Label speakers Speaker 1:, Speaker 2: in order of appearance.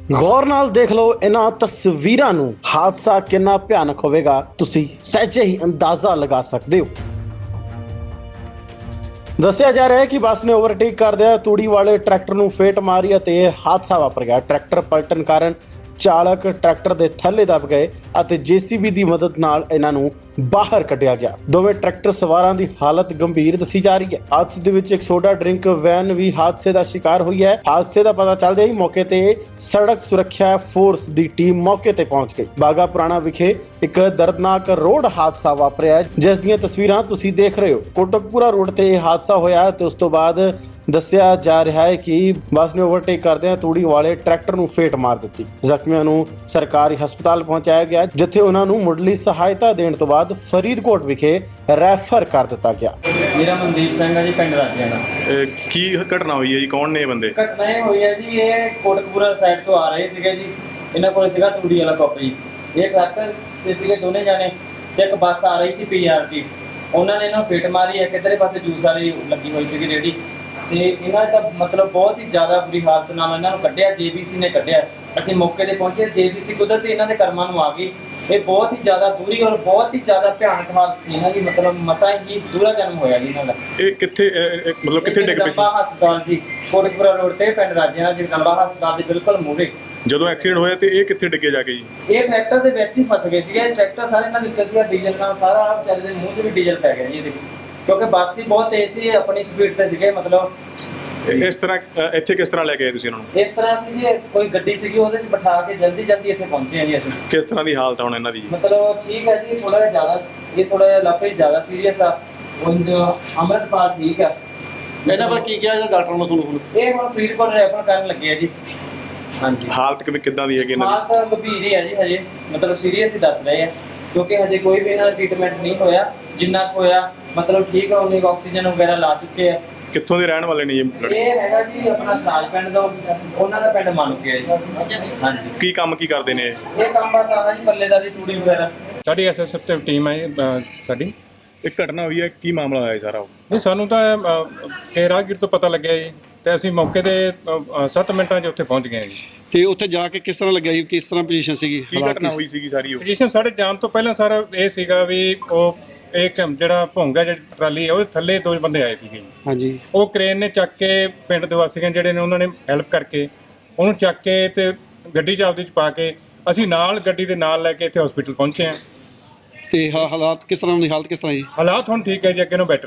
Speaker 1: गौर नाल देख लो इन्हां तस्वीरां नूं। हादसा कितना भयानक होवेगा तुसी सहजे ही अंदाजा लगा सकते हो। दस्सिया जा रहा है कि बस ने ओवरटेक करदिया तूड़ी वाले ट्रैक्टर नूं फेट मारी ਅਤੇ ਇਹ ਹਾਦਸਾ ਵਾਪਰ ਗਿਆ। ट्रैक्टर पलटन ਕਾਰਨ ਚਾਲਕ ट्रैक्टर ਦੇ ਥੱਲੇ ਦਬ ਗਏ ਅਤੇ ਜੀਸੀਬੀ ਦੀ ਮਦਦ ਨਾਲ ਇਹਨਾਂ ਨੂੰ ਬਾਹਰ ਕੱਢਿਆ ਗਿਆ। ਦੋਵੇਂ ट्रैक्टर ਸਵਾਰਾਂ ਦੀ ਹਾਲਤ ਗੰਭੀਰ ਦੱਸੀ ਜਾ ਰਹੀ ਹੈ। ਹਾਦਸੇ ਦੇ ਵਿੱਚ ਇੱਕ ਸੋਡਾ ਡਰਿੰਕ ਵੈਨ ਵੀ ਹਾਦਸੇ ਦਾ ਸ਼ਿਕਾਰ ਹੋਈ ਹੈ। ਹਾਦਸੇ ਦਾ ਪਤਾ ਚੱਲਦੇ ਹੀ ਮੌਕੇ ਤੇ ਸੜਕ ਸੁਰੱਖਿਆ ਫੋਰਸ ਦੀ ਟੀਮ ਮੌਕੇ ਤੇ ਪਹੁੰਚ ਗਈ। ਬਾਗਾ ਪੁਰਾਣਾ ਵਿਖੇ ਇੱਕ ਦਰਦਨਾਕ ਰੋਡ ਹਾਦਸਾ ਵਾਪਰਿਆ ਜਿਸ ਦੀਆਂ ਤਸਵੀਰਾਂ ਤੁਸੀਂ ਦੇਖ ਰਹੇ ਹੋ। ਕੋਟਕਪੂਰਾ ਰੋਡ ਤੇ ਇਹ ਹਾਦਸਾ ਹੋਇਆ ਤੇ ਉਸ ਤੋਂ ਬਾਅਦ ਦੱਸਿਆ ਜਾ ਰਿਹਾ ਹੈ ਕਿ ਬੱਸ ਨੇ ਓਵਰਟੇਕ ਕਰਦਿਆਂ ਤੂੜੀ ਵਾਲੇ ਟਰੈਕਟਰ ਨੂੰ ਫੇਟ ਮਾਰ ਦਿੱਤੀ। ਜ਼ਖਮੀਆਂ ਨੂੰ ਸਰਕਾਰੀ ਹਸਪਤਾਲ ਪਹੁੰਚਾਇਆ ਗਿਆ ਜਿੱਥੇ ਉਹਨਾਂ ਨੂੰ ਮੁੱਢਲੀ ਸਹਾਇਤਾ ਦੇਣ ਤੋਂ ਬਾਅਦ ਫਰੀਦਕੋਟ ਵਿਖੇ ਰੈਫਰ ਕਰ ਦਿੱਤਾ ਗਿਆ।
Speaker 2: ਮੇਰਾ ਮਨਦੀਪ ਸਿੰਘ ਹੈ ਜੀ, ਪਿੰਡ ਰਾਜਿਆਂ ਦਾ।
Speaker 3: ਕੀ ਘਟਨਾ ਹੋਈ ਹੈ ਜੀ? ਕੌਣ ਨੇ ਇਹ ਬੰਦੇ?
Speaker 2: ਘਟਨਾ ਇਹ ਹੋਈ ਹੈ ਜੀ, ਇਹ ਕੋਟਕਪੂਰਾ ਸਾਈਡ ਤੋਂ ਆ ਰਹੇ ਸੀਗੇ ਜੀ। ਇਹਨਾਂ ਕੋਲ ਸੀਗਾ ਤੂੜੀ ਵਾਲਾ ਕੱਪ ਜੀ। ਇਹ ਟਰੈਕਟਰ ਤੇ ਸੀਗੇ ਦੋਨੇ ਜਾਣੇ ਤੇ ਇੱਕ ਬੱਸ ਆ ਰਹੀ ਸੀ ਪੀਆਰਟੀ। ਉਹਨਾਂ ਨੇ ਇਹਨਾਂ ਨੂੰ ਫਿੱਟ ਮਾਰੀ। ਇੱਕ ਇੱਧਰਲੇ ਪਾਸੇ ਜੂਸ ਵਾਲੀ ਲੱਗੀ ਹੋਈ ਸੀਗੀ ਰੇਹੜੀ ਤੇ ਇਹਨਾਂ ਦਾ ਮਤਲਬ ਬਹੁਤ ਹੀ ਜ਼ਿਆਦਾ ਬੁਰੀ ਹਾਲਤ ਨਾਲ ਇਹਨਾਂ ਨੂੰ ਕੱਢਿਆ। ਜੇਬੀਸੀ ਨੇ ਕੱਢਿਆ। ਅਸੀਂ ਮੌਕੇ ਤੇ ਪਹੁੰਚੇ। ਜੇਬੀਸੀ ਕੁਦਰਤੀ ਇਹਨਾਂ ਦੇ ਕਰਮਾਂ ਨੂੰ ਆ ਗਈ। ਇਹ ਬਹੁਤ ਹੀ ਜ਼ਿਆਦਾ ਦੂਰੀ ਔਰ ਬਹੁਤ ਹੀ ਜ਼ਿਆਦਾ ਭਿਆਨਕ ਹਾਲਤ ਸੀ ਇਹਨਾਂ ਦੀ। ਮਤਲਬ ਮਸਾਂ ਹੀ ਦੂਰਾ ਜਨਮ ਹੋਇਆ ਜੀ ਇਹਨਾਂ ਦਾ।
Speaker 3: ਇਹ ਕਿੱਥੇ ਮਤਲਬ ਕਿੱਥੇ ਡਿੱਗ ਪਏ ਸੀ?
Speaker 2: ਜਗਦੰਬਾ ਹਸਪਤਾਲ ਜੀ, ਕੋਟਕਪੂਰਾ ਰੋਡ ਤੇ ਪਿੰਡ ਰਾਜਿਆਂ ਦਾ ਜਗਦੰਬਾ ਹਸਪਤਾਲ ਦੇ ਬਿਲਕੁਲ ਮੂਹਰੇ।
Speaker 3: ਜਦੋਂ ਐਕਸੀਡੈਂਟ ਹੋਇਆ ਤੇ ਇਹ ਕਿੱਥੇ ਡਿੱਗੇ ਜਾ ਕੇ ਜੀ?
Speaker 2: ਇਹ ਟਰੈਕਟਰ ਦੇ ਵਿੱਚ ਹੀ ਫਸ ਗਏ ਸੀਗੇ। ਟਰੈਕਟਰ ਸਾਰੇ ਇਹਨਾਂ ਦੇ ਉੱਤੇ ਸੀਗਾ ਡੀਜ਼ਲ ਨਾਲ। ਸਾਰਾ ਵਿਚਾਰੇ ਦੇ ਮੂੰਹ 'ਚ ਵੀ ਡੀਜ਼ਲ ਪੈ ਗਿਆ ਜੀ ਇਹਦੇ, ਕਿਉਂਕਿ ਬੱਸ ਹੀ ਬਹੁਤ ਤੇਜ਼ ਸੀ। ਆਪਣੀ ਸਪੀਡ ਤੇ ਸੀਗੇ। ਮਤਲਬ
Speaker 3: ਇਸ ਤਰ੍ਹਾਂ ਇੱਥੇ ਕਿਸ ਤਰ੍ਹਾਂ ਲੈ ਕੇ ਆਏ ਤੁਸੀਂ ਇਹਨਾਂ ਨੂੰ?
Speaker 2: ਇਸ ਤਰ੍ਹਾਂ ਸੀ ਜੀ, ਕੋਈ ਗੱਡੀ ਸੀਗੀ ਉਹਦੇ 'ਚ ਬਿਠਾ ਕੇ ਜਲਦੀ ਇੱਥੇ ਪਹੁੰਚੇ ਹਾਂ ਜੀ ਅਸੀਂ।
Speaker 3: ਕਿਸ ਤਰ੍ਹਾਂ ਦੀ ਹਾਲਤ ਹੁਣ ਇਹਨਾਂ ਦੀ?
Speaker 2: ਮਤਲਬ ਠੀਕ ਹੈ ਜੀ, ਥੋੜਾ ਜਿਹਾ ਜ਼ਿਆਦਾ ਇਹ ਥੋੜਾ ਜਿਹਾ ਲਾਪੇ ਜ਼ਿਆਦਾ ਸੀਰੀਅਸ ਆ। ਉਂਝ ਅੰਮ੍ਰਿਤਪਾਲ ਠੀਕ ਆ।
Speaker 4: ਇਹਨਾਂ ਪਰ ਕੀ ਕਿਹਾ ਇਹਦਾ ਡਾਕਟਰ ਨੂੰ ਤੁਹਾਨੂੰ?
Speaker 2: ਇਹ ਹੁਣ ਫਰੀਦਕੋਟ ਰੈਫਰ ਕਰਨ ਲੱਗੇ ਆ ਜੀ। ਹਾਂਜੀ,
Speaker 3: ਹਾਲਤ ਕਿੱਦਾਂ ਦੀ ਹੈਗੀ ਇਹਨਾਂ ਦੀ?
Speaker 2: ਹਾਲਤ ਗੰਭੀਰ ਹੀ ਆ ਜੀ। ਹਜੇ ਮਤਲਬ ਸੀਰੀਅਸ ਹੀ ਦੱਸ ਰਹੇ ਆ ਕਿਉਂਕਿ ਹਜੇ ਕੋਈ ਵੀ ਇਹਨਾਂ ਦਾ ਟ੍ਰੀਟਮੈਂਟ ਨਹੀਂ ਹੋਇਆ। ਜਿੰਨਾ ਕੁ ਹੋਇਆ ਮਤਲਬ ਠੀਕ ਆ। ਉਹਨੇ ਆਕਸੀਜਨ ਵਗੈਰਾ ਲਾ ਚੁੱਕੇ ਆ।
Speaker 3: ਕਿੱਥੋਂ ਦੇ ਰਹਿਣ ਵਾਲੇ ਨੇ ਜੀ ਲੜਕੇ?
Speaker 2: ਇਹ ਹੈਗਾ ਜੀ ਆਪਣਾ ਕਾਲ ਪਿੰਡ ਦਾ। ਉਹਨਾਂ ਦਾ ਪਿੰਡ ਮਾਨੂਕੇ ਹੈ ਜੀ। ਹਾਂਜੀ,
Speaker 3: ਕੀ ਕੰਮ ਕਰਦੇ ਨੇ ਇਹ?
Speaker 2: ਇਹ ਕੰਮ ਬਸ ਆਹ ਜੀ ਪੱਲੇਦਾਰੀ ਤੂੜੀ ਵਗੈਰਾ।
Speaker 5: ਸਾਡੀ ਐਸਐਸਐਫ ਤੇ ਟੀਮ ਹੈ ਸਾਡੀ।
Speaker 3: ਇਹ ਘਟਨਾ ਹੋਈ ਹੈ, ਕੀ ਮਾਮਲਾ ਹੋਇਆ ਸਾਰਾ?
Speaker 5: ਨਹੀਂ, ਸਾਨੂੰ ਤਾਂ ਇਹ ਰਾਹਗੀਰ ਤੋਂ ਪਤਾ ਲੱਗਿਆ ਜੀ ਤੇ ਅਸੀਂ ਮੌਕੇ ਤੇ 7 ਮਿੰਟਾਂ 'ਚ ਉੱਥੇ ਪਹੁੰਚ ਗਏ ਜੀ।
Speaker 4: ਤੇ ਉੱਥੇ ਜਾ ਕੇ ਕਿਸ ਤਰ੍ਹਾਂ ਲੱਗਿਆ ਸੀ? ਕਿਸ ਤਰ੍ਹਾਂ ਪੋਜੀਸ਼ਨ ਸੀਗੀ?
Speaker 3: ਕੀ ਘਟਨਾ ਹੋਈ ਸੀਗੀ ਸਾਰੀ ਉਹ?
Speaker 5: ਪੋਜੀਸ਼ਨ ਸਾਡੇ ਜਾਣ ਤੋਂ ਪਹਿਲਾਂ ਸਰ ਇਹ ਸੀਗਾ ਵੀ ਉਹ ਇੱਕ ਜਿਹੜਾ ਭੋਂਗਾ ਜਿਹੜੀ ਟਰਾਲੀ ਹੈ ਉਹਦੇ ਥੱਲੇ 2 ਬੰਦੇ ਆਏ ਸੀਗੇ ਜੀ।
Speaker 4: ਹਾਂਜੀ।
Speaker 5: ਉਹ ਕ੍ਰੇਨ ਨੇ ਚੱਕ ਕੇ ਪਿੰਡ ਦੇ ਵਾਸੀਆਂ ਜਿਹੜੇ ਨੇ ਉਹਨਾਂ ਨੇ ਹੈਲਪ ਕਰਕੇ ਉਹਨੂੰ ਚੱਕ ਕੇ ਤੇ ਗੱਡੀ 'ਚ ਆਪਦੇ 'ਚ ਪਾ ਕੇ ਅਸੀਂ ਨਾਲ ਗੱਡੀ ਦੇ ਨਾਲ ਲੈ ਕੇ ਇੱਥੇ ਹਸਪੀਟਲ ਪਹੁੰਚੇ ਹਾਂ।
Speaker 4: ਤੇ ਹਾਲਾਤ ਕਿਸ ਤਰ੍ਹਾਂ ਦੀ? ਹਾਲਤ ਕਿਸ ਤਰ੍ਹਾਂ ਜੀ?
Speaker 5: ਹਾਲਾਤ ਹੁਣ ਠੀਕ ਹੈ ਜੀ, ਅੱਗੇ ਨੂੰ ਬੈਟਰ